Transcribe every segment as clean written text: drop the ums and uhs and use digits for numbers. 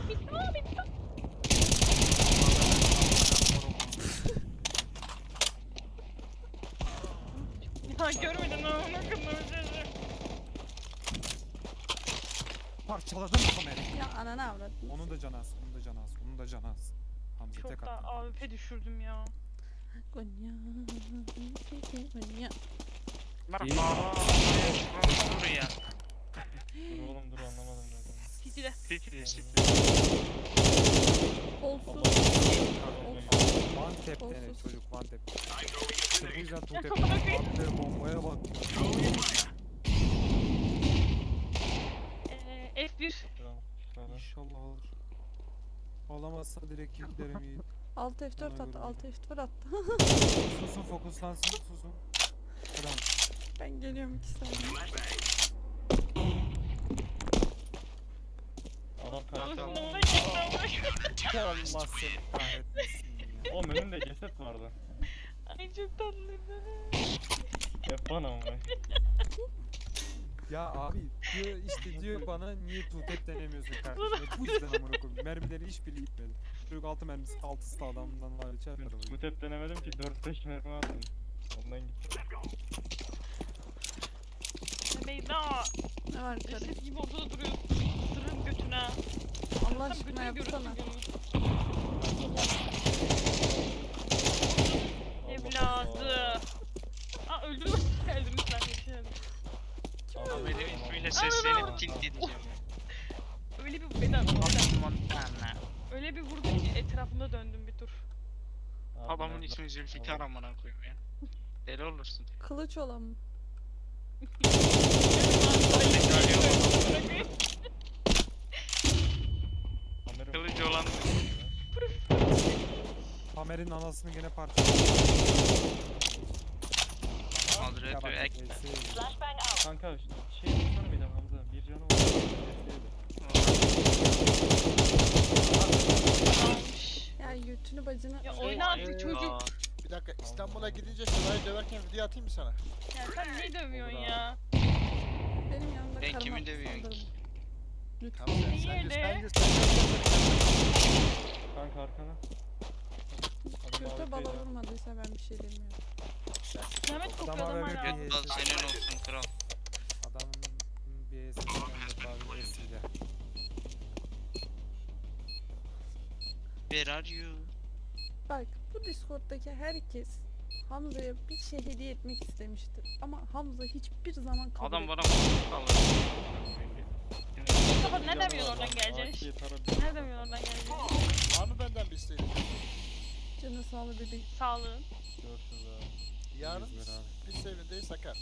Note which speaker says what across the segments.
Speaker 1: Bitti. Aa bitti. Ya görmedin ama ne kadar üzücü.
Speaker 2: Parçaladım kamerayı.
Speaker 3: Ya ananı avradın.
Speaker 2: Onun da canı az, onun da canı az, onun da canı az. Hamza tek
Speaker 1: Çok da
Speaker 2: attı.
Speaker 1: AWP düşürdüm ya.
Speaker 3: Gonya. Gonya.
Speaker 4: Merhaba. Dur ya.
Speaker 5: Dur oğlum dur anlamadım dedim.
Speaker 1: City'de.
Speaker 4: Siktir.
Speaker 3: Olsun.
Speaker 2: One tap dene
Speaker 3: Olsun.
Speaker 2: çocuk, one tap. İşte bu yüzden two tap.
Speaker 1: Amına koyayım.
Speaker 2: Attığı bombaya bak.
Speaker 1: F1.
Speaker 2: İnşallah alır. Alamazsa direkt yüklerim iyi.
Speaker 3: Alt F4
Speaker 2: Ona
Speaker 3: attı.
Speaker 2: göre
Speaker 3: Alt F4 attı.
Speaker 2: Susun, fokuslansın, susun. Tamam.
Speaker 3: Ben geliyorum 2 saniye.
Speaker 5: Adam kaçtı.
Speaker 1: Ağzına gitti ama.
Speaker 2: Allah seni kahretmesin ya.
Speaker 5: Oğlum önünde ceset vardı.
Speaker 1: Ay çok tatlıydı.
Speaker 5: F1 ama.
Speaker 2: Ya abi diyor işte diyor bana niye two tap denemiyorsun kardeşim. Bu yüzden amına koyayım. Mermileri hiçbiri gitmedi. Çocuk 6 mermisi 6'sı da adamdan var içer
Speaker 5: Ben
Speaker 2: arabayı.
Speaker 5: bu tep denemedim ki 4-5 mermi attım. Ondan gitti.
Speaker 1: Beyza.
Speaker 3: Ne var yukarı?
Speaker 1: Ceset gibi ortada duruyorsun. Sırrım götüne.
Speaker 3: Allah
Speaker 1: Tam
Speaker 3: aşkına
Speaker 1: götünü görürsün
Speaker 3: yapsana.
Speaker 1: Evladı. Aa öldürme. Öldürmüşler. Geçelim.
Speaker 4: Ama benim ismiyle seslenip tilt edeceğim ya.
Speaker 1: Öyle bir beden.
Speaker 4: Montana.
Speaker 1: Öyle bir vurdum ki etrafında döndüm bir tur.
Speaker 4: Adamın ismi Zülfikar amına koyayım ya. Deli olursun.
Speaker 3: Kılıç olan mı?
Speaker 4: Kılıcı olan
Speaker 2: Amer'in anasını gene parçaladı.
Speaker 4: moderatör ek.
Speaker 5: Kanka şey tutsana bir de Hamza. Bir canı var.
Speaker 3: Ya götünü bacını.
Speaker 1: Ya oyna artık çocuk.
Speaker 6: Bir dakika İstanbul'a gidince Şuray'ı döverken video atayım mı sana?
Speaker 1: Ya sen niye dövüyorsun ya?
Speaker 3: Benim yanımda
Speaker 4: Ben
Speaker 3: karım
Speaker 4: kimi
Speaker 3: attı
Speaker 4: dövüyorsun
Speaker 3: saldırdı.
Speaker 4: ki?
Speaker 3: Lütfen.
Speaker 6: Tamam
Speaker 1: Niye
Speaker 6: sen
Speaker 1: de?
Speaker 5: Kanka arkana.
Speaker 3: Göte bala vurmadıysa ben bir şey demiyorum.
Speaker 1: Kıyamet kopuyor adam
Speaker 2: Adama
Speaker 1: hala.
Speaker 2: ver
Speaker 4: Al senin olsun kral.
Speaker 2: Adamın bir esesinden de abi esiyle.
Speaker 4: Where are you?
Speaker 3: Bak bu Discord'daki herkes Hamza'ya bir şey hediye etmek istemiştir. Ama Hamza hiçbir zaman kabul
Speaker 4: Adam
Speaker 3: etmedi.
Speaker 4: bana alır.
Speaker 1: Mustafa ne demiyorsun oradan geleceksin? Ne demiyorsun oradan geleceksin?
Speaker 6: Var mı benden bir isteğin?
Speaker 3: Canı sağlığı bebeğim.
Speaker 1: Sağlığın.
Speaker 5: Görüşürüz abi.
Speaker 6: Yarın
Speaker 2: 100 lira abi.
Speaker 6: bir sevgilideyiz sakar.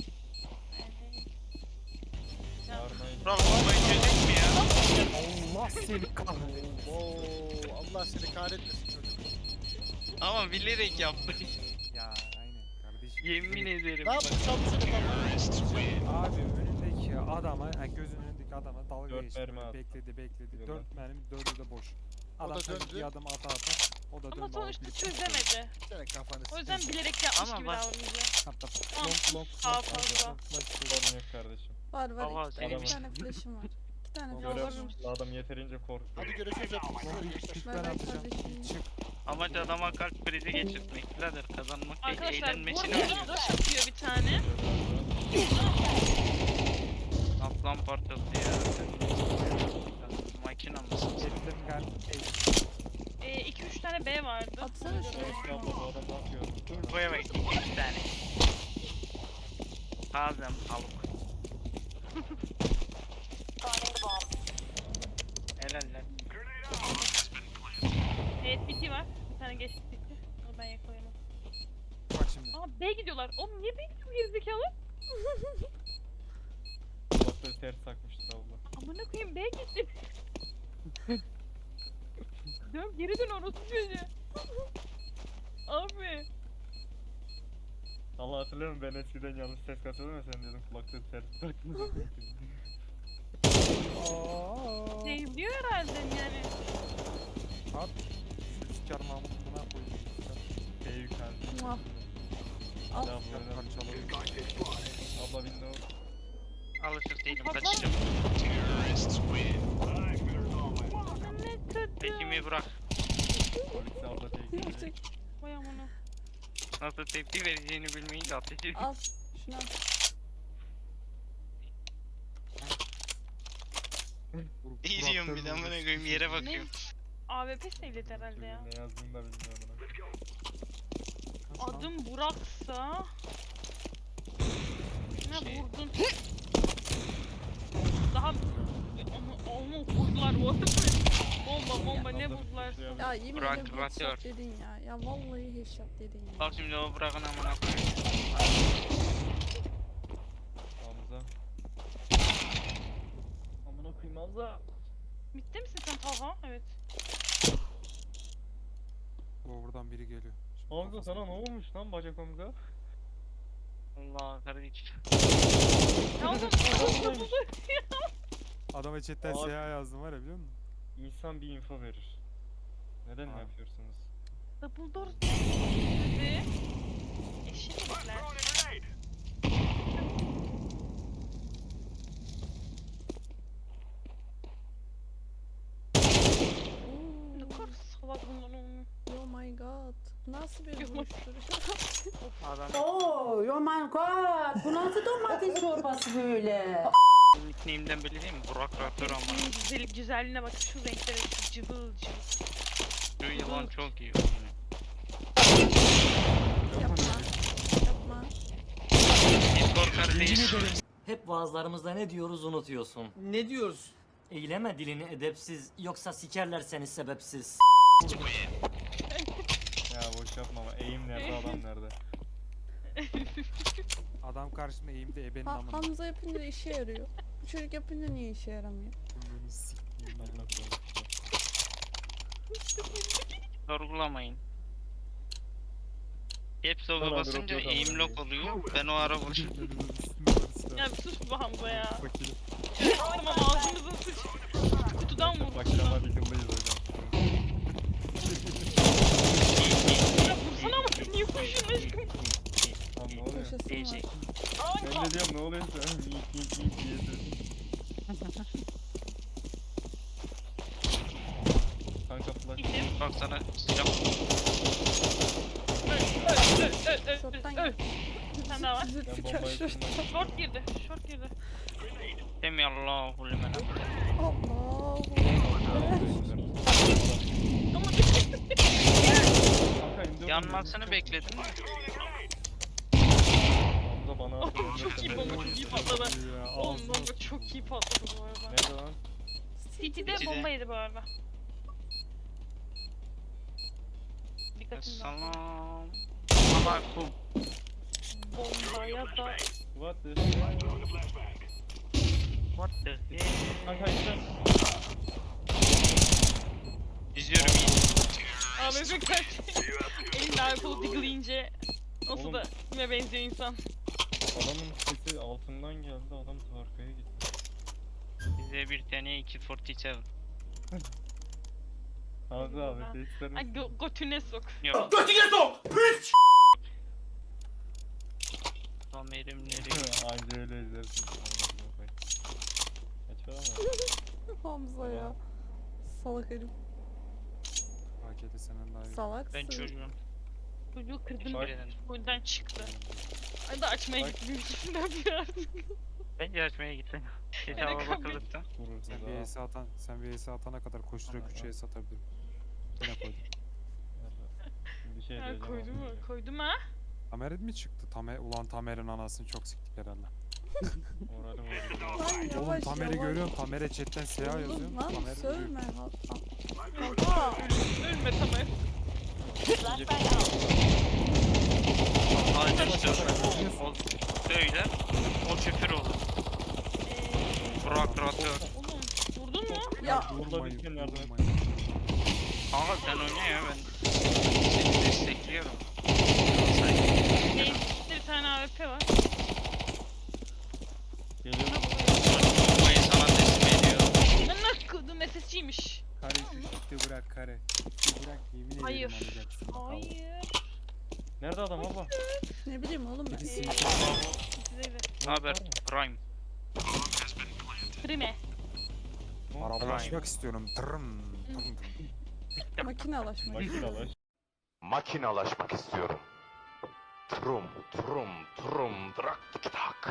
Speaker 5: Yarın ayı.
Speaker 4: Kral bombayı çözecek mi ya?
Speaker 2: Allah seni kahretsin.
Speaker 6: Oo, Allah seni kahretmesin çocuk.
Speaker 4: Ama bilerek yaptı.
Speaker 2: Ya aynen kardeşim.
Speaker 4: Yemin ederim.
Speaker 6: Ne yaptın çabuk
Speaker 2: Abi önündeki adama, yani gözünün önündeki adama dalga
Speaker 5: Dört
Speaker 2: geçti.
Speaker 5: mermi
Speaker 2: Böyle
Speaker 5: attı.
Speaker 2: bekledi.
Speaker 5: Yok
Speaker 2: 4 mermi 4'ü de boş.
Speaker 6: O
Speaker 2: Adam
Speaker 6: da
Speaker 2: sanki
Speaker 6: döndü.
Speaker 2: bir adım ata. O da döndü.
Speaker 1: Ama sonuçta
Speaker 2: alıp
Speaker 1: çözemedi.
Speaker 6: Senin kafanı
Speaker 1: O yüzden
Speaker 6: sikeyim.
Speaker 1: bilerek yapmış
Speaker 4: Ama
Speaker 1: gibi
Speaker 4: bak-
Speaker 1: davranacak.
Speaker 2: Hatta
Speaker 1: Daha fazla.
Speaker 5: Sorun yok kardeşim.
Speaker 3: Var var
Speaker 4: Baba,
Speaker 3: iki
Speaker 4: senin
Speaker 3: tane,
Speaker 5: bir-
Speaker 3: iki tane flash'ım var. İki tane
Speaker 2: Baba,
Speaker 3: flash'ım
Speaker 2: görüyorum.
Speaker 3: var.
Speaker 5: Adam yeterince korktu.
Speaker 6: Hadi görüşürüz hepimiz.
Speaker 2: çık
Speaker 3: Ver,
Speaker 2: ben
Speaker 3: ver
Speaker 2: atacağım.
Speaker 3: kardeşim.
Speaker 2: Çık.
Speaker 4: Amaç adama kalp krizi geçirtmek. Birader kazanmak değil,
Speaker 1: Arkadaşlar bu
Speaker 4: eğlenmesini
Speaker 1: arada
Speaker 4: oynuyor.
Speaker 1: rush atıyor bir tane.
Speaker 4: Aslan parçası ya. Makina mısın?
Speaker 2: Ettim gel.
Speaker 1: 2-3 tane B vardı.
Speaker 3: Atsana şunu.
Speaker 5: Eski abla bu adam ne yapıyor?
Speaker 4: Buraya bak 2 tane. Tazem tavuk. Helal lan.
Speaker 1: Evet BT var. Bir tane geçti BT. Onu ben yakalayamam.
Speaker 2: Bak şimdi.
Speaker 1: Aa B gidiyorlar. Oğlum niye B gidiyor gerizekalı?
Speaker 5: Kulakları ters takmıştır abla.
Speaker 1: Amına koyayım B gitti. Dön geri dön orası çocuğu. Abi.
Speaker 5: Allah hatırlıyor musun ben eskiden yanlış ses kasıyordum ya sen diyordun kulakları ters takmıştır.
Speaker 1: Seviliyor herhalde yani.
Speaker 2: At. Sürüskar mamutuna koyayım.
Speaker 5: Şey yükseldi.
Speaker 3: Muah. Al.
Speaker 5: Abla öyle
Speaker 2: Parçaladım.
Speaker 5: Abla window.
Speaker 4: Alışık değilim
Speaker 1: Pardon.
Speaker 4: kaçacağım.
Speaker 1: Ne
Speaker 4: Tekimi bırak.
Speaker 5: Polis abla tek.
Speaker 3: Gerçek.
Speaker 1: Vay amına.
Speaker 4: Nasıl tepki vereceğini bilmeyince ateş ediyor.
Speaker 3: Al. Şunu al.
Speaker 4: İzliyorum bir de amına koyayım yere bakıyorum.
Speaker 1: AWP sevledi herhalde ya.
Speaker 5: Ne yazdığını da bilmiyorum.
Speaker 1: Adım Burak'sa... Ne
Speaker 4: Şey.
Speaker 1: vurdun? Daha... Onu vurdular bu arada. Bomba ne vurdular sana?
Speaker 3: Ya yemin
Speaker 4: Bırak,
Speaker 3: ederim
Speaker 4: bırak
Speaker 3: headshot
Speaker 4: diyor.
Speaker 3: dedin ya. Ya vallahi headshot dedin ya.
Speaker 4: Bak şimdi o bırakın amına koyayım.
Speaker 5: Hamza. Amına koyayım Hamza.
Speaker 1: Bitti misin sen Talha? Evet.
Speaker 2: Buradan biri geliyor.
Speaker 5: Hamza sana ne olmuş lan bacak Hamza?
Speaker 4: Allah kardeşim.
Speaker 1: Ya oğlum
Speaker 2: Adama chatten
Speaker 5: Abi.
Speaker 2: SH yazdım var ya biliyor musun?
Speaker 5: İnsan bir info verir. Neden
Speaker 2: Abi.
Speaker 5: yapıyorsunuz?
Speaker 1: Dumbledore dedi. Eşit herifler. Ne
Speaker 3: Oo.
Speaker 1: kadar salak bunlar onu.
Speaker 3: Oh my god. Nasıl bir
Speaker 1: Yok.
Speaker 3: vuruştur?
Speaker 4: Adam
Speaker 7: Oh, oh my god. Bu nasıl domates çorbası böyle?
Speaker 4: nickname'den belli değil mi? Burak Raptor ama.
Speaker 1: Güzelliğine bak şu renklere şu cıvıl cıvıl.
Speaker 4: Şu yılan çok iyi.
Speaker 3: Yapma. Yapma.
Speaker 4: Discord kardeş.
Speaker 8: Hep vaazlarımızda ne diyoruz unutuyorsun.
Speaker 9: Ne diyoruz?
Speaker 8: Eyleme dilini edepsiz, yoksa sikerler seni sebepsiz.
Speaker 5: Ya boş yapma ama eğim nerede adam nerede?
Speaker 2: Adam karşımda eğimde ebenin amına.
Speaker 3: Hamza yapınca işe yarıyor. Bu çocuk yapınca niye işe yaramıyor?
Speaker 2: Bunu sikeyim
Speaker 5: Allah
Speaker 2: ya.
Speaker 5: Allah.
Speaker 4: Sorgulamayın. Caps lock'a
Speaker 5: Tamam,
Speaker 4: basınca
Speaker 5: drop yok
Speaker 4: aim
Speaker 5: ama.
Speaker 4: lock oluyor. Ben o ara vuruşum.
Speaker 1: Ya bir sus bu Hamza ya.
Speaker 2: Fakiri.
Speaker 1: Tamam ağzımıza sıç. Kutudan vur.
Speaker 5: Bakırama Beagle'dayız hocam.
Speaker 1: Ya vursana ama niye koşuyorsun aşkım?
Speaker 5: Lan ne oluyor?
Speaker 3: Koşası
Speaker 4: Diyecek.
Speaker 3: var.
Speaker 5: Ben de diyorum ne oluyor sen? Mink diye Kanka flash.
Speaker 1: Gittim.
Speaker 4: Bak sana silah.
Speaker 3: Short'tan
Speaker 1: Öl. Sen daha var.
Speaker 5: Ben
Speaker 3: Zülfikar
Speaker 5: bombayı
Speaker 3: şort.
Speaker 5: tutmak.
Speaker 1: Short girdi. Short girdi.
Speaker 4: Demi Allahu limen.
Speaker 3: Allah.
Speaker 1: Ama
Speaker 5: Kanka indir.
Speaker 4: Yanmasını bekledim.
Speaker 5: Hamza bana atıyor.
Speaker 1: çok iyi bomba çok iyi patladı.
Speaker 2: Ya,
Speaker 1: Oğlum
Speaker 2: ağzına
Speaker 1: bomba çok iyi patladı bu arada.
Speaker 5: Nerede lan?
Speaker 1: City'de
Speaker 4: City'de.
Speaker 1: bomba yedi bu arada. Dikkatin dağıtın.
Speaker 4: Selam. Ama bu
Speaker 1: Bombaya da
Speaker 5: What the?
Speaker 4: what the hell?
Speaker 5: Kanka işte.
Speaker 4: İzliyorum iyi.
Speaker 1: AWP kaç. Elinde alkol digleyince nasıl
Speaker 5: Oğlum.
Speaker 1: da kime benziyor insan.
Speaker 5: Adamın sesi altından geldi. Adam arkaya gitti.
Speaker 4: Bize bir tane 247.
Speaker 5: Hamza abi seslerini.
Speaker 1: Ay götüne sok.
Speaker 4: Yok.
Speaker 9: Götüne sok! Piç!
Speaker 4: Kamerim nereye?
Speaker 5: Anca öyle izlersin. Kaç para mı?
Speaker 3: Hamza ya. Salak herif.
Speaker 2: AK'de senden daha iyi.
Speaker 3: Salaksın.
Speaker 4: Ben çocuğum.
Speaker 1: Çocuğu kırdım.
Speaker 4: Teşekkür ederim.
Speaker 1: Oyundan çıktı. Ay da açmaya
Speaker 5: Bak.
Speaker 1: gitti. Yüzünden bir artık.
Speaker 4: Bence açmaya gittim.
Speaker 1: Öyle
Speaker 4: Hesaba
Speaker 1: kabul.
Speaker 4: bakıldıkta.
Speaker 5: Vurursun
Speaker 2: Sen bir
Speaker 5: daha.
Speaker 2: ES atan, sen bir ES atana kadar koştura
Speaker 5: Tamam,
Speaker 2: küçüğe satabilirim. Gene koydum.
Speaker 5: Bir şey
Speaker 1: Ha,
Speaker 5: diyeceğim.
Speaker 1: koydum mu?
Speaker 5: ama.
Speaker 1: Koydum ha.
Speaker 2: Tamer mi çıktı? Ulan Tamer'in anasını çok siktik herhalde.
Speaker 5: Moralim bozuldu.
Speaker 3: Lan
Speaker 2: Oğlum
Speaker 3: yavaş
Speaker 2: Tamer'i
Speaker 3: yavaş.
Speaker 2: görüyorum. Tamer'e chatten SH yazıyorum.
Speaker 3: Oğlum lan
Speaker 2: Tamer
Speaker 3: sövme.
Speaker 1: Ölme Tamer.
Speaker 4: Hadi işte o söyle. O küfür olur. Burak Raptor.
Speaker 1: Oğlum vurdun mu?
Speaker 3: Ya
Speaker 5: Burada bir kere yardım et.
Speaker 4: Kanka sen oyna ya ben seni destekliyorum.
Speaker 1: Neyse bir tane AWP var.
Speaker 5: Geliyor.
Speaker 4: Bombayı sana teslim ediyorum.
Speaker 1: Ben nasıl kıldım SSC'ymiş.
Speaker 2: Kare şu şıkkı bırak kare. Şıkkı bırak yemin ederim
Speaker 1: Hayır.
Speaker 2: alacaksın.
Speaker 1: Hayır.
Speaker 5: Nerede adam abla?
Speaker 3: ne bileyim oğlum ben.
Speaker 2: Birisi
Speaker 1: Size de.
Speaker 4: Ne haber? Prime.
Speaker 1: Prime.
Speaker 2: arabalaşmak istiyorum. Tırım. Tırım.
Speaker 3: Makinalaşmak.
Speaker 5: Makinalar.
Speaker 9: Makinalaşmak istiyorum. Trum trum trum drak tik tak.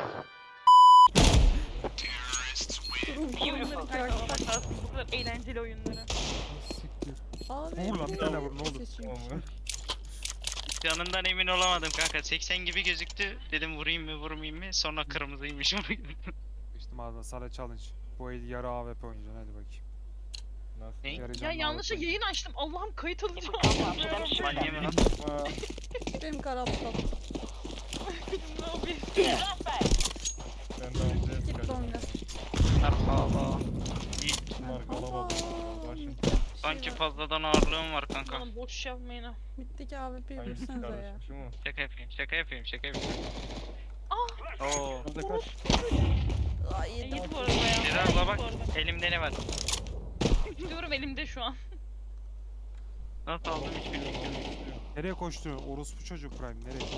Speaker 1: Beautiful. Karşılaştık bu kadar eğlenceli oyunları.
Speaker 2: Siktir.
Speaker 3: Abi.
Speaker 2: Vur lan, bir tane vur, ne olur.
Speaker 3: Seçeyim.
Speaker 4: Canından emin olamadım kanka. 80 gibi gözüktü. Dedim vurayım mı vurmayayım mı? Sonra kırmızıymış.
Speaker 2: İşte ağzına sana challenge. Bu el yarı AWP oynayacaksın, hadi bakayım.
Speaker 5: Nasıl?
Speaker 4: Ne?
Speaker 2: Yarı
Speaker 1: Ya
Speaker 2: canlı
Speaker 1: yanlışa
Speaker 2: AWP.
Speaker 1: yayın açtım. Allah'ım kayıt alacağım.
Speaker 4: Şövalye mi lan?
Speaker 3: Benim kara aptal.
Speaker 1: Ne yapayım?
Speaker 5: Ben de Hamza'ya
Speaker 3: Git
Speaker 5: sıkacağım.
Speaker 3: longa.
Speaker 4: Merhaba.
Speaker 5: Bunlar kalabalık. Başım.
Speaker 4: Sanki fazladan ağırlığım var kanka.
Speaker 1: Bana boş yapmayın ha.
Speaker 3: Bitteki AWP'yi
Speaker 5: Hangisi
Speaker 3: vursana ya.
Speaker 5: kardeşim? Şu mu?
Speaker 4: Şaka yapayım, şaka yapayım, şaka yapayım.
Speaker 1: Ah!
Speaker 4: Oo.
Speaker 5: Hamza kaç.
Speaker 3: Ay yedim.
Speaker 1: İyi bu arada ya.
Speaker 4: Seda
Speaker 1: İyi
Speaker 4: abla
Speaker 1: bu
Speaker 4: bak,
Speaker 1: arada.
Speaker 4: elimde ne var?
Speaker 1: Diyorum elimde şu an.
Speaker 4: Nasıl aldım hiç bilmiyorum.
Speaker 2: Nereye koşturuyorsun? Orospu çocuk Prime, nereye?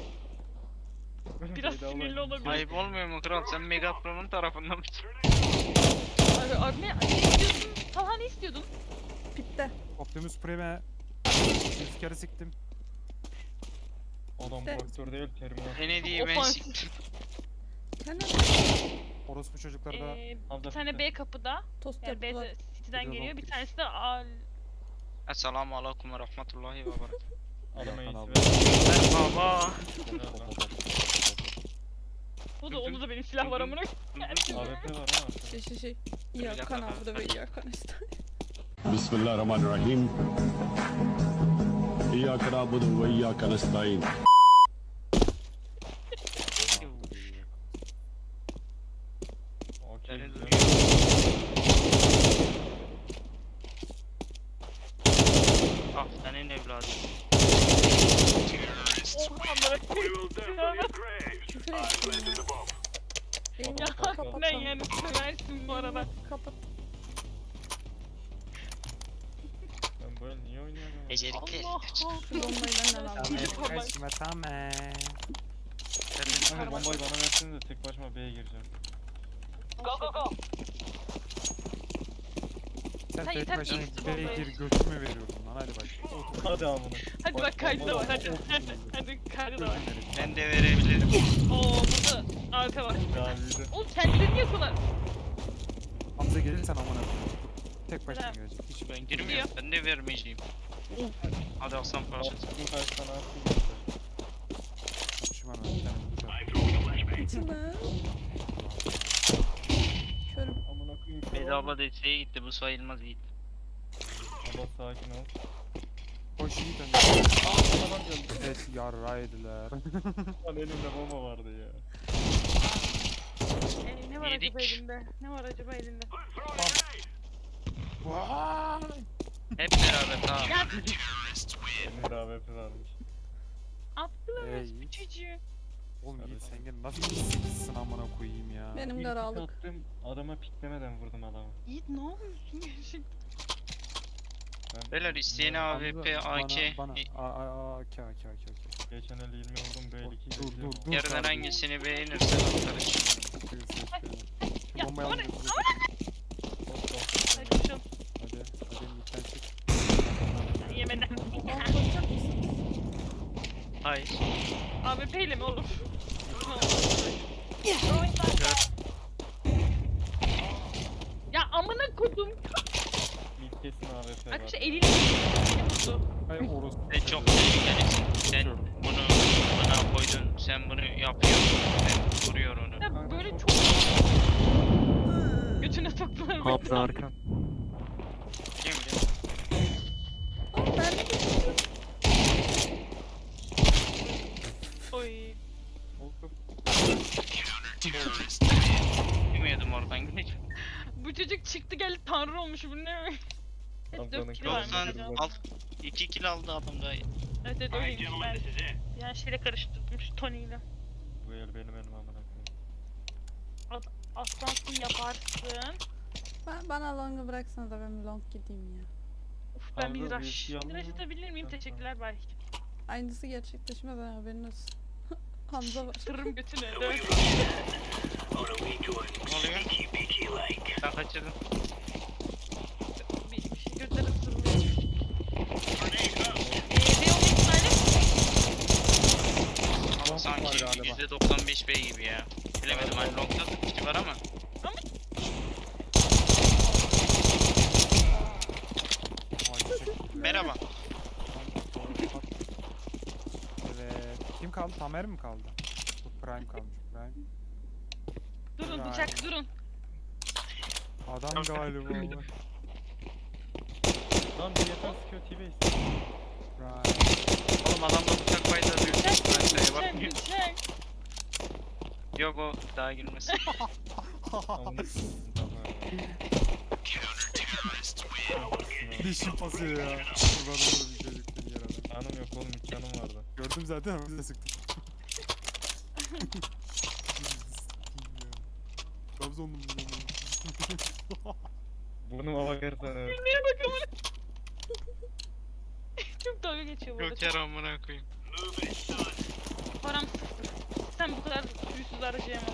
Speaker 1: Biraz
Speaker 5: Bedava
Speaker 1: sinirli
Speaker 5: oyun.
Speaker 1: olabilir.
Speaker 4: Ayıp olmuyor mu kral? Sen Megatron'un tarafından mısın?
Speaker 1: Abi ne istiyordun? Talha ne istiyordun?
Speaker 3: Pitte.
Speaker 2: Optimus Prime'e bir kere siktim.
Speaker 5: Adam
Speaker 3: İşte.
Speaker 5: traktör değil, terminal.
Speaker 4: Ne diye ben
Speaker 1: Ofansif.
Speaker 4: siktim.
Speaker 3: Sen ne?
Speaker 2: Orospu çocuklar da
Speaker 5: Hamza
Speaker 1: Bir tane
Speaker 5: bitti.
Speaker 1: B kapıda.
Speaker 3: Tost
Speaker 1: Yani B
Speaker 3: yaptılar.
Speaker 1: de City'den
Speaker 2: Bir de
Speaker 1: geliyor. Bir
Speaker 2: Lockbridge.
Speaker 1: tanesi de Al.
Speaker 4: Esselamu aleyküm ve rahmetullahi ve berekatuhu.
Speaker 5: Adama
Speaker 2: Yakan
Speaker 5: iyisi
Speaker 2: abi.
Speaker 5: ver.
Speaker 4: Merhaba.
Speaker 5: Helal lan.
Speaker 1: Onda da benim silah var amına.
Speaker 5: AWP var ha.
Speaker 3: Şey. Yakan abi ve yakan işte.
Speaker 9: Bismillahirrahmanirrahim. İyyâke na'budu ve iyyâke nestaîn.
Speaker 5: Okey.
Speaker 4: Seni
Speaker 5: güzel.
Speaker 4: duyuyorum. Ah senin evladın.
Speaker 1: Oha amına koyayım.
Speaker 3: Küfür ettim ya. Benim
Speaker 1: Ya
Speaker 3: kapat
Speaker 1: ne
Speaker 3: lan.
Speaker 1: yani seversin bu arada.
Speaker 3: Kapat.
Speaker 5: Ben böyle niye oynuyorum?
Speaker 4: Becerikli.
Speaker 1: Allah
Speaker 3: Şu bombayı benden al.
Speaker 2: kaçma tamam.
Speaker 5: Kanka bombayı bana versene de tek başıma B'ye gireceğim.
Speaker 2: Sen
Speaker 1: Sen
Speaker 2: tek
Speaker 1: yeter
Speaker 2: başına
Speaker 1: ki ilk
Speaker 2: B'ye
Speaker 1: bombayı.
Speaker 2: gir, götümü veriyorum lan, hadi bak.
Speaker 5: Hadi amına.
Speaker 1: Hadi bak kaydı da var hadi. Hadi kaydı da var.
Speaker 4: Ben de verebilirim.
Speaker 1: Oo burada arka var.
Speaker 5: Gaviydi.
Speaker 1: Oğlum kendilerini yakıyorlar.
Speaker 2: Hamza gelirsen amına koyayım. Tek başına
Speaker 1: Selam.
Speaker 2: gelecek. Hiç
Speaker 4: Ben girmiyorum. Ben de vermeyeceğim. Hadi aslan parçası.
Speaker 5: Attım kaç tane attım işte.
Speaker 2: konuşma ben bir tane vuracağım.
Speaker 3: İçime. Körüm.
Speaker 5: Amına koyayım.
Speaker 4: Beyza abla desteğe gitti. Bu sayılmaz Yiğit.
Speaker 5: Abla sakin ol.
Speaker 2: Koş Yiğit önce.
Speaker 5: Adam geldi.
Speaker 2: Evet yarraydılar.
Speaker 5: Lan elimde bomba vardı ya.
Speaker 1: Ne var
Speaker 4: Yedik.
Speaker 1: acaba elinde? Ne var acaba elinde?
Speaker 4: Hep beraber tamam.
Speaker 1: Ya
Speaker 5: Benim de AWP varmış.
Speaker 1: attılar
Speaker 2: Ey.
Speaker 1: bu çocuğu.
Speaker 2: Oğlum Yiğit sen gel nasıl bir sikilsin amına koyayım ya.
Speaker 3: Benim
Speaker 5: İlk
Speaker 3: garalık.
Speaker 5: pik attım, adama piklemeden vurdum adamı.
Speaker 1: Yiğit ne yapıyorsun gerçekten?
Speaker 5: Ben
Speaker 4: Beyler isteyene
Speaker 2: Hamza,
Speaker 4: AWP, AK.
Speaker 2: Bana AK.
Speaker 5: geçen el 20 vurdum böyle 2
Speaker 2: Dur.
Speaker 4: Yarıdan
Speaker 2: kardeşim.
Speaker 4: hangisini beğenirsen atarız.
Speaker 2: Buyur, seç beni. Şu
Speaker 1: Ya,
Speaker 2: bombayı
Speaker 1: bana-
Speaker 2: alın.
Speaker 1: Hadi koşalım.
Speaker 2: Hadi Yiğit'ten çık.
Speaker 1: Yemeden.
Speaker 3: Aa, koşacak mısın?
Speaker 4: Hayır.
Speaker 1: AWP ile mi oğlum? Ya amına kodum.
Speaker 5: Mid kesin AWP var.
Speaker 1: Arkadaşlar eliyle vurdu.
Speaker 2: Ay orospu.
Speaker 4: Sen çok tehlikelisin. Sen bunu bana koydun. Sen bunu yapıyorsun. Sen vuruyor onu.
Speaker 1: Ya böyle çok... Götüne soktular beni.
Speaker 5: Hamza arkan.
Speaker 4: Kim bilir?
Speaker 3: Aa, ben de
Speaker 1: Oy.
Speaker 4: Bilmiyordum oradan gidecek.
Speaker 1: Bu çocuk çıktı geldi tanrı olmuş bu ne? Hep
Speaker 5: Hamza'nın
Speaker 1: 4 kilo varmış.
Speaker 4: 90
Speaker 5: kafasını
Speaker 4: al. 2 kill aldı adam daha iyi.
Speaker 1: Evet öyleymiş ben. Yani şeyle karıştırdım şu Tony ile.
Speaker 5: Bu el benim elim amına koyayım.
Speaker 1: Aslansın yaparsın.
Speaker 3: bana long'u bıraksanız da ben long gideyim ya.
Speaker 1: Uf ben bir
Speaker 5: Hamza,
Speaker 1: rush.
Speaker 5: birisi yandı
Speaker 1: Bir
Speaker 5: mı?
Speaker 1: rush atabilir miyim?
Speaker 5: Ha,
Speaker 1: Teşekkürler bay.
Speaker 3: Aynısı gerçekleşmeden haberin olsun. Hamza var.
Speaker 1: Kırırım götüne.
Speaker 4: Ne oluyor? Sen kaçırdın.
Speaker 1: Bir şey götürüp sırılıyor.
Speaker 2: Tam Tamer mi kaldı? Bu Prime kalmış. Prime.
Speaker 1: Durun
Speaker 2: Vay.
Speaker 1: bıçak durun.
Speaker 2: Adam galiba.
Speaker 5: Lan bir yeter sıkıyor T-Base.
Speaker 2: Prime.
Speaker 4: Oğlum adamda bıçak payda diyor.
Speaker 1: Bıçak
Speaker 4: Ben şeye
Speaker 1: bıçak
Speaker 4: bakmıyorum.
Speaker 1: bıçak.
Speaker 4: Yok o daha girmesin.
Speaker 5: Amına
Speaker 2: Dişim basıyor ya. Kurban olurum bir çocuk seni yer adam.
Speaker 5: Canım yok oğlum, 3 canım vardı.
Speaker 2: Gördüm zaten ama bize sıktım. Trabzonlu mu?
Speaker 5: Burnuma bakarsan evet.
Speaker 1: Neye bakalım. Çok dalga geçiyor bu arada.
Speaker 4: Yok yer amına koyayım.
Speaker 1: Param sıfır. Sen bu kadar yüzsüz harcayamam.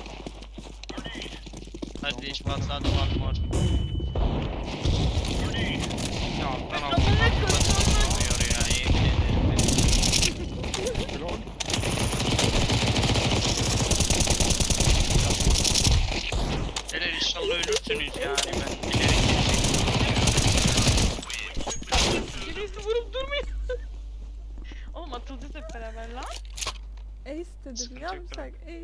Speaker 4: Hadi iş patladı var var. Ya alttan alttan
Speaker 1: Amına koyayım.
Speaker 4: atıyor ya yemin ederim.
Speaker 2: Lol.
Speaker 4: Helal inşallah ölürsünüz yani ben bilerek
Speaker 1: Birisi vurup durmuyor. Oğlum atılacağız hep beraber lan.
Speaker 3: Ace dedim
Speaker 4: Sıkıntı yok,
Speaker 3: yavşak Ace.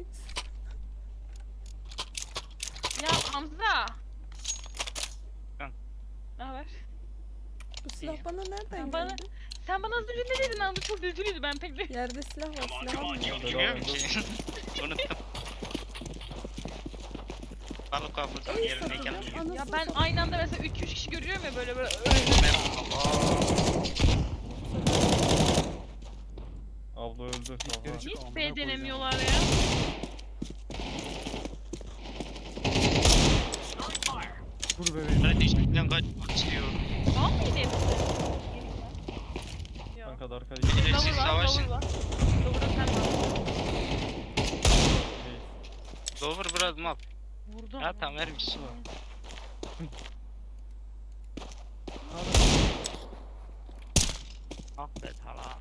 Speaker 1: Ya Hamza.
Speaker 4: Lan.
Speaker 1: Ne haber?
Speaker 3: Bu silah bana nereden
Speaker 1: Ya bana-
Speaker 3: geldi?
Speaker 1: Sen bana az önce ne dedin Hamza? Çok üzülüydü ben pek de.
Speaker 3: Yerde silah var, silah almıyor.
Speaker 4: Biliyor musun? Unuttum. Balık kapıdan
Speaker 3: Ace
Speaker 4: yerindeyken
Speaker 3: atacağım,
Speaker 4: anlıyorum.
Speaker 1: Ya
Speaker 3: anasını
Speaker 1: ben
Speaker 3: satayım.
Speaker 1: aynı anda mesela 3-3 kişi görüyorum ya böyle böyle.
Speaker 5: Abla öldü.
Speaker 2: İlkleri
Speaker 5: Aha.
Speaker 2: çık.
Speaker 1: Hiç
Speaker 2: Amına
Speaker 1: B
Speaker 2: koyacağım.
Speaker 1: denemiyorlar ya.
Speaker 2: Dur bebeğim.
Speaker 4: Ben işten kaçmak istiyorum.
Speaker 1: Tamam mıydı hepsi? Yok.
Speaker 5: Kanka da arka
Speaker 4: Bir de siz
Speaker 1: Lover var,
Speaker 4: savaşın.
Speaker 1: lover var. Lover'da sen var.
Speaker 4: Dover biraz map.
Speaker 1: Vurdum.
Speaker 4: Ha tamam ver bir şey var. Affet hala.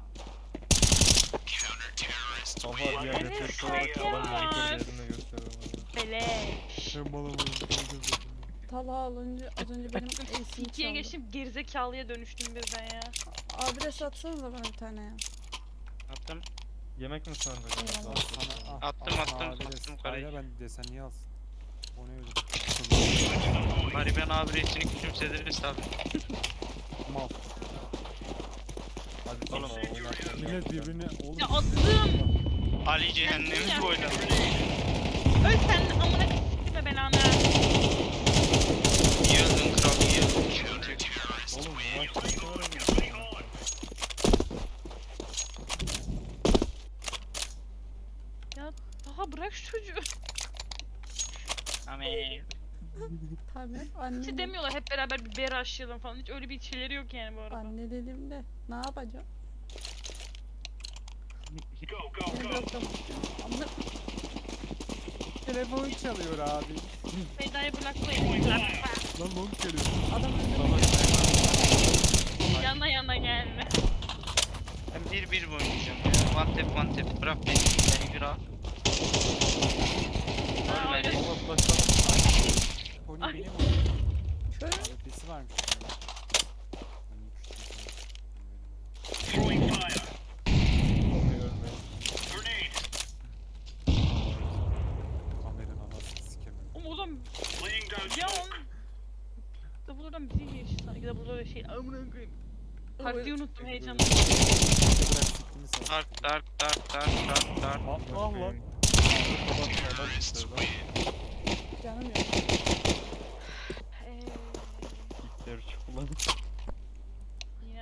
Speaker 5: Kafa diğer
Speaker 1: Evet,
Speaker 5: refleks olarak
Speaker 1: kanka
Speaker 5: adam
Speaker 1: var.
Speaker 5: monitör değerini gösteriyor bana.
Speaker 1: Beleş.
Speaker 2: Ben balamayım.
Speaker 3: Talha alınca az önce benim Ace'imi
Speaker 1: İkiye
Speaker 3: çaldı.
Speaker 1: geçtim gerizekalıya dönüştüm birden ya.
Speaker 3: Abi de satsanıza bana bir tane ya.
Speaker 4: Attım.
Speaker 5: Yemek mi sandın?
Speaker 3: Eyvallah.
Speaker 4: Attım karayı.
Speaker 2: Kayla ben desen niye alsın? O ne öyle?
Speaker 4: Bari ben abi resmini küçümsediniz tabi.
Speaker 2: Mal.
Speaker 5: Hadi sana oynarken.
Speaker 2: Millet birbirine oğlum.
Speaker 1: Ya attım.
Speaker 4: Ali cehennemi boyladı.
Speaker 1: Öl sen amına s**time belanı.
Speaker 4: İyi öldün kral iyi öldün. Sıkıntı yok.
Speaker 5: Oğlum bu maç ne kadar önemli.
Speaker 1: Ya daha bırak şu çocuğu.
Speaker 4: Amin.
Speaker 3: Tabii.
Speaker 1: Hiç
Speaker 3: Anne,
Speaker 1: demiyorlar hep beraber bir beri aşıyalım falan. Hiç öyle bir şeyleri yok yani bu arada.
Speaker 3: anne dediğimde ne yapacağım? Seni bırakamam. Amına
Speaker 2: Telefon çalıyor abi.
Speaker 1: Meydayı bırakmayın.
Speaker 2: Lan long geliyor.
Speaker 3: adam öldü.
Speaker 1: Yana gelme.
Speaker 4: Ben 1-1 oynayacağım ya. One tap bırak beni bir al.
Speaker 1: Aa,
Speaker 4: Ölmedi.
Speaker 1: öyle.
Speaker 5: Allah başladı.
Speaker 2: Pony
Speaker 1: Ay.
Speaker 2: benim.
Speaker 3: Şöyle
Speaker 2: AWP'si varmış.
Speaker 5: Olmayı ölmeyi.
Speaker 2: Kameranın anasını sikemiyorum.
Speaker 1: Oğlum ya da buradan bizi geçti sanki da burada şey amına koyayım. Partiyi unuttum heyecanla.
Speaker 2: Bırak siktimi sal.
Speaker 4: Dark.
Speaker 2: Ah lan.
Speaker 3: canım yok.
Speaker 5: İlkleri çukulan.
Speaker 1: Yine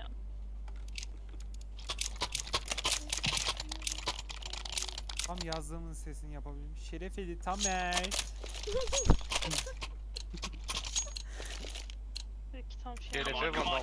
Speaker 2: Tam yazdığımın sesini yapabilmiş. Şerefeli Tamer.
Speaker 1: peki tam şey.
Speaker 4: Şerefe baba.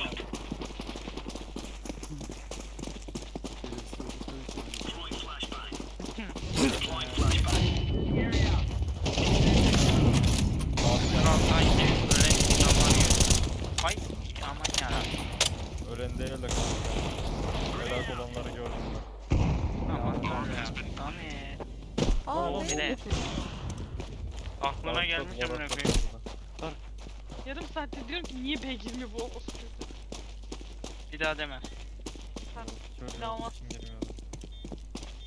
Speaker 4: Kraldan ki ölen zaman yok. Ay aman yarabbim.
Speaker 5: Ölen değil de kanka. Helak olanları gördüm ben.
Speaker 4: Aman tanrım. Amin.
Speaker 3: Aa
Speaker 4: Bir
Speaker 3: ne?
Speaker 4: de aklına gelmiş amına koyayım.
Speaker 1: Yarım saattir diyorum ki niye B girmiyor bu orospu çocuğu.
Speaker 4: Bir daha deme.
Speaker 1: Pardon.
Speaker 5: Çocuğun
Speaker 1: Tamam.
Speaker 5: için girmiyordu.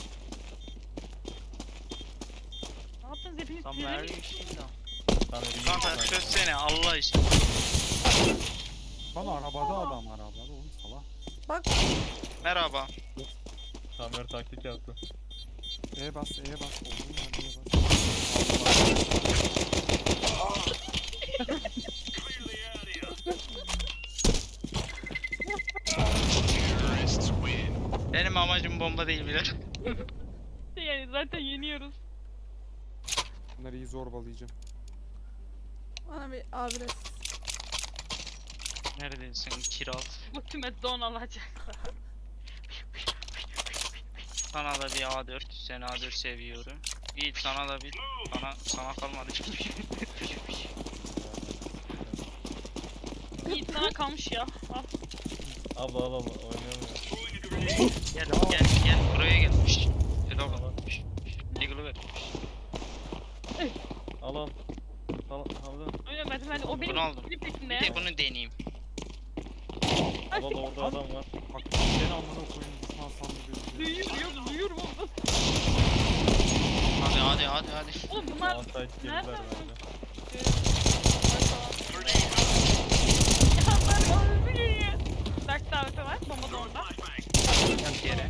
Speaker 4: Very
Speaker 5: Tamam,
Speaker 4: Kanka çözsene Allah için.
Speaker 2: Lan arabada adam arabada oğlum salak.
Speaker 3: Bak
Speaker 4: Merhaba.
Speaker 5: Tamer taktik yaptı.
Speaker 2: E bas E'ye bas. Oğlum hadi E bas.
Speaker 4: Benim amacım bomba değil bile.
Speaker 1: Yani zaten yeniyoruz.
Speaker 2: Bunları iyi zorbalayacağım.
Speaker 3: bana bir adres.
Speaker 4: Neredesin kiraz?
Speaker 1: Bu tüme don alacak.
Speaker 4: Sana da bir A4, sen A4 seviyorum. İyi sana da bir, sana kalmadı.
Speaker 1: İyi sana kalmış ya. Al.
Speaker 5: Abla al oynayamıyor.
Speaker 4: Gel buraya gel. Şşş. Helal lan. Eagle'ı ver.
Speaker 5: Al. Hamza.
Speaker 1: Öyle ben o benim
Speaker 4: Bunu aldım.
Speaker 1: benim peşimde
Speaker 4: Bir
Speaker 1: ya.
Speaker 4: de bunu deneyeyim.
Speaker 5: Al orada adam var.
Speaker 2: Bak ben amına koyayım düşman sandı gözüküyor.
Speaker 1: Duyuyorum onu.
Speaker 4: Hadi.
Speaker 1: Oğlum bunlar
Speaker 5: Outside girdiler
Speaker 1: nereden
Speaker 5: bence.
Speaker 1: Berk daveti var. Bomba da orada.
Speaker 4: Yap yere.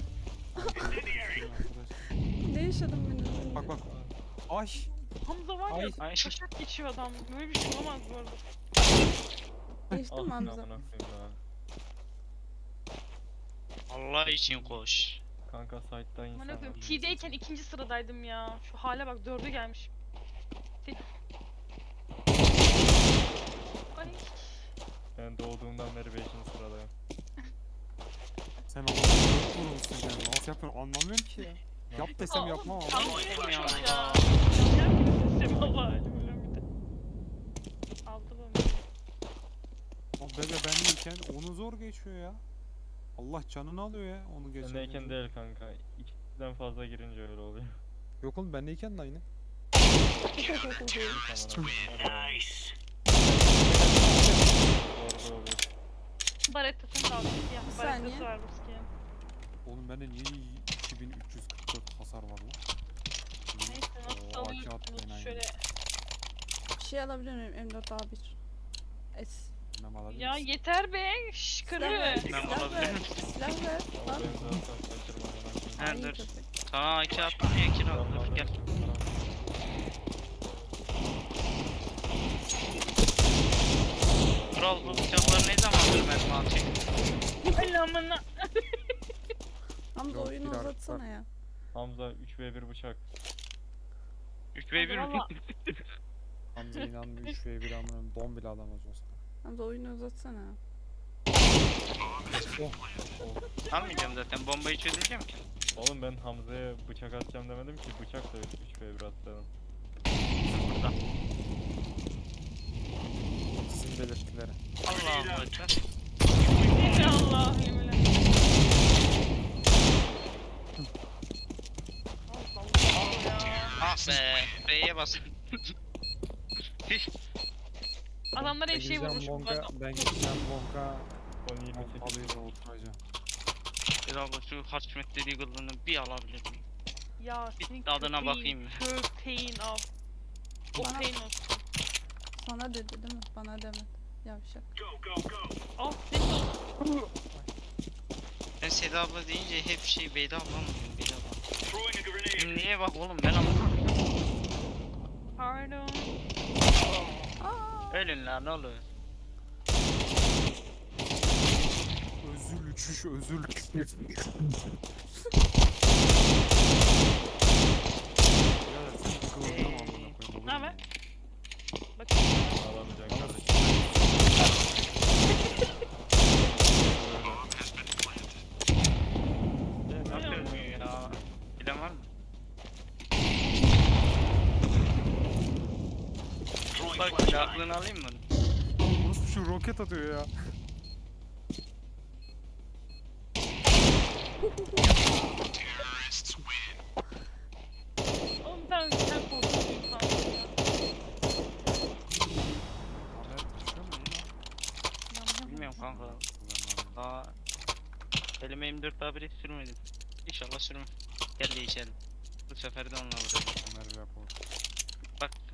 Speaker 3: Ne yaşadım ben az önce?
Speaker 2: Bak. Ay.
Speaker 1: Hamza var ya.
Speaker 4: Ay.
Speaker 1: Kaçak geçiyor adam. Böyle bir şey olamaz bu arada.
Speaker 3: Geçtim
Speaker 5: Ah,
Speaker 3: Hamza.
Speaker 5: amına koyayım ya.
Speaker 4: Allah için koş.
Speaker 5: Kanka site'dan insan
Speaker 1: Aman
Speaker 5: var.
Speaker 1: koyayım. T'deyken ikinci sıradaydım ya. Şu hale bak 4'e gelmiş. Ay.
Speaker 5: Ben doğduğumdan beri 5. sıradayım.
Speaker 2: Sen oğlum çok vurulmuşsun yani. Nasıl yapıyorsun anlamıyorum ki ya. Yap desem yapmam ama.
Speaker 1: Tam
Speaker 4: Oğlum ya.
Speaker 1: ya. Sistemi Allah bir de. Aldı bunu.
Speaker 2: O bebe benleyken onu zor geçiyor ya. Allah canını alıyor ya onu geçiyor.
Speaker 5: Bendeyken değil kanka. 2'den fazla girince öyle oluyor.
Speaker 2: Yok oğlum benleyken de aynı.
Speaker 5: Orada oluyor.
Speaker 1: Barettasını da aldım. Ya,
Speaker 3: Bir saniye.
Speaker 1: barettası var bu skin.
Speaker 2: Oğlum bende niye 2344 hasar var lan?
Speaker 1: Neyse nasıl
Speaker 2: Oo,
Speaker 1: alıyorsunuz
Speaker 2: AK attı
Speaker 1: şöyle.
Speaker 3: Bir şey alabilir miyim? M4A1. S.
Speaker 2: Bilmem alabilir
Speaker 1: Ya
Speaker 2: misin?
Speaker 1: yeter be. Şş
Speaker 3: Silah
Speaker 1: karı.
Speaker 3: ver.
Speaker 4: Ben
Speaker 3: Silah
Speaker 4: olabilir
Speaker 3: ver.
Speaker 4: miyim?
Speaker 3: Silah ver.
Speaker 5: Ama
Speaker 3: Lan.
Speaker 5: ben zaten kaçırmam.
Speaker 4: He
Speaker 3: Ay,
Speaker 4: dur.
Speaker 3: köpek.
Speaker 4: Sana iki attım ya kiraz dur gel. Kral bu bıçaklar ne zamandır mermi atıyor?
Speaker 1: Ay amına.
Speaker 3: Hamza
Speaker 2: Yok,
Speaker 3: oyunu
Speaker 2: bir artık
Speaker 3: uzatsana ya.
Speaker 5: Hamza 3v1 bıçak.
Speaker 4: 3v1 mi?
Speaker 1: Valla.
Speaker 2: Hamza inanmıyor 3v1 amına don bile alamaz olsa.
Speaker 3: Hamza oyunu uzatsana.
Speaker 4: Almayacağım zaten bombayı çözeceğim ki.
Speaker 5: Oğlum ben Hamza'ya bıçak atacağım demedim ki bıçak da 3v1 atladım.
Speaker 4: Burada.
Speaker 2: Sizin belirtileri.
Speaker 4: Allah'ım ekber.
Speaker 1: Ya Allah yeminle.
Speaker 4: Ah be. B'ye bas.
Speaker 1: Adamlar hep şey vurmuş bu arada.
Speaker 2: Ben gideceğim Bonka.
Speaker 5: 10-28.
Speaker 2: Alıyı da oturacağım.
Speaker 4: Bir dakika şu Harçmet dediği kılını bir alabilir miyim?
Speaker 1: Ya
Speaker 4: Bir
Speaker 1: senin
Speaker 4: tadına
Speaker 1: köpeğin,
Speaker 4: bakayım mı?
Speaker 1: Köpeğin al.
Speaker 3: Bana-
Speaker 1: Köpeğin olsun.
Speaker 3: Sana dedi değil mi? Bana demedi. Yavşak.
Speaker 1: Al senin olsun.
Speaker 4: Ben Seda abla deyince hep şey Beyda abla mı diyorum Beyda abla. Niye bak oğlum ben anlamadım.
Speaker 1: Pardon.
Speaker 3: Aa!
Speaker 4: Ölün lan oğlum.
Speaker 2: Özür uçuş özür.
Speaker 1: Ne haber? Bak.
Speaker 5: Ağlamayacaksın kardeşim.
Speaker 4: Ne yapıyorsun ya? Bilen var mı? Bak bir aklını alayım mı?
Speaker 2: Nasıl şu roket atıyor ya?
Speaker 1: Oğlum sen korkuyorsun sanki ya.
Speaker 2: Haber taşıyor mu ya?
Speaker 4: Bilmiyorum kanka. Aa, elime 24 daha bile sürmedim. İnşallah sürmem. Gel değişelim. Bu sefer de onunla vuracağım.
Speaker 2: Ömer rapor.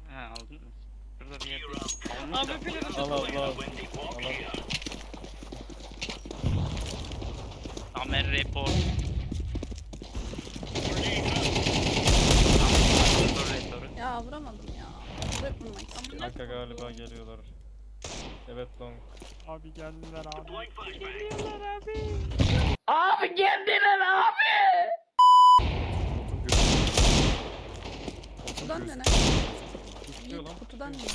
Speaker 4: Ha aldın mı? Şurada bir yerde.
Speaker 1: Abi pilleri
Speaker 5: Al al al.
Speaker 4: Amer report.
Speaker 3: Ya vuramadım ya. Direkt vurmak istiyorum.
Speaker 5: Kanka galiba geliyorlar. Evet long.
Speaker 2: Abi geldiler abi.
Speaker 1: Geliyorlar abi.
Speaker 7: Abi geldiler abi.
Speaker 3: Kutudan dene.
Speaker 5: Tutuyor lan.
Speaker 3: Kutudan dene.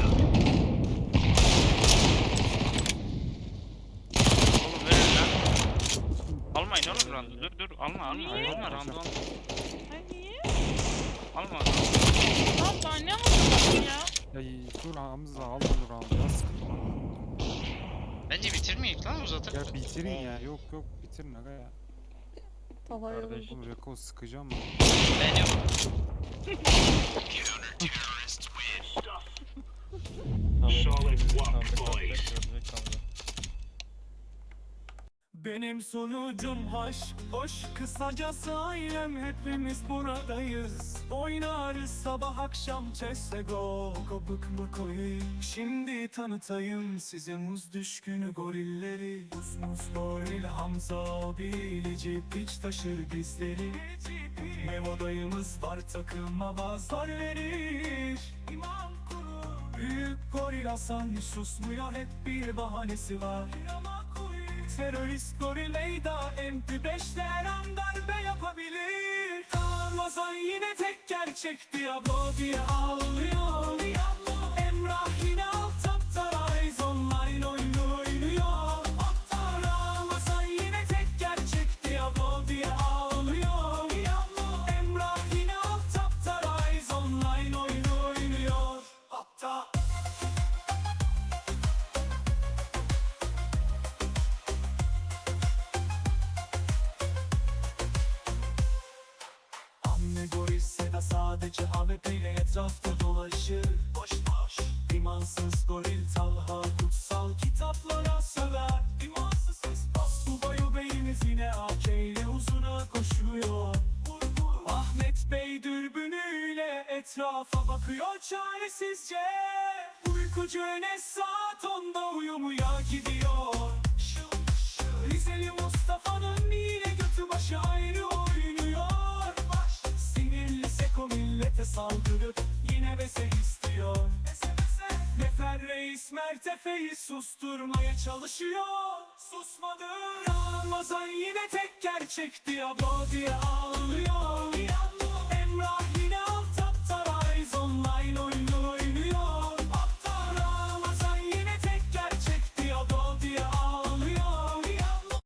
Speaker 4: Oğlum verin lan. Almayın oğlum randu. Dur alma alma.
Speaker 1: Niye?
Speaker 4: Alma randu alma.
Speaker 1: Ay niye?
Speaker 4: Alma.
Speaker 1: Lan daha ne anlatıyorsun ya?
Speaker 2: Ya dur Hamza al bunu round'u ya sıkıntı.
Speaker 4: Bence bitirmeyek lan uzatır.
Speaker 2: Ya bitirin ya yok bitirin aga ya.
Speaker 3: Tavaya
Speaker 5: Kardeş.
Speaker 3: vurdum.
Speaker 2: Oğlum Reko sıkacağım mı?
Speaker 4: Ben yok.
Speaker 10: Benim sonucum hoş kısacası ailem hepimiz buradayız. Oynarız sabah akşam CSGO. Kopuk mu koyayım şimdi tanıtayım size muz düşkünü gorilleri. Muz goril Hamza bilici piç taşır bizleri. Memo dayımız var takıma bazar verir. İmam kuru büyük goril Hasan susmuyor hep bir bahanesi var. Terörist goril Eyda MP5'ler darbe yapabilir. Ramazan yine tek gerçek Diablo diye ağlıyor. Emrah yine alt tapta Rise online oyunu oynuyor. Ramazan yine tek gerçek Diablo diye ağlıyor. Emrah yine alt tapta Rise online oyunu oynuyor. Hatta Anne goril Seda sadece AWP ile etrafta dolaşır. Boş imansız goril Talha kutsal kitaplara söver. İmansız ses Subayu beyimiz yine AK ile uzuna koşuyor. Ahmet Bey dürbünüyle etrafa bakıyor çaresizce. Uykucu Enes saat 10'da uyumaya gidiyor. Rizeli Mustafa'nın yine götü başı ayrı oynuyor. Sinirli Seko millete saldırıp yine bese istiyor. Nefer Reis Mert Efe'yi susturmaya çalışıyor. Susmadı. Ramazan yine tek gerçek Diablo diye ağlıyor. Emrah